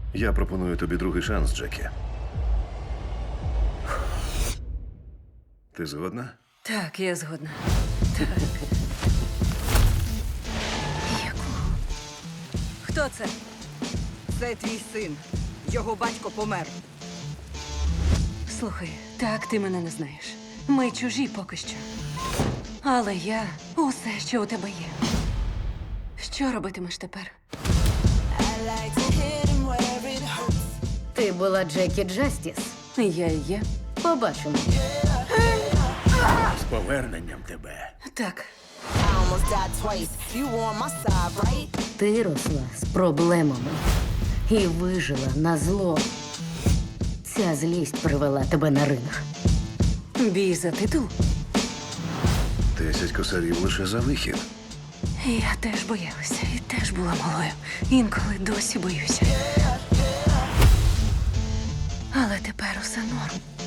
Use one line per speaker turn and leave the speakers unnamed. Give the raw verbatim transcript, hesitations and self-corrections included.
Я пропоную тобі другий шанс, Джекі. Ти згодна?
Так, я згодна. Так. Якого? Хто це?
Це твій син. Його батько помер.
Слухай, так ти мене не знаєш. Ми чужі поки що. Але я усе, що у тебе є. Що робитимеш тепер?
Ти була Джекі Джастіс.
Я і є.
Побачимо.
З поверненням тебе.
Так.
I almost died twice. You on my side, right?
Ти росла з проблемами і вижила на зло. Ця злість привела тебе на ринг.
Бій за титул?
Десять косарів лише за вихід.
Я теж боялася і теж була малою. Інколи досі боюся. Але тепер усе норм.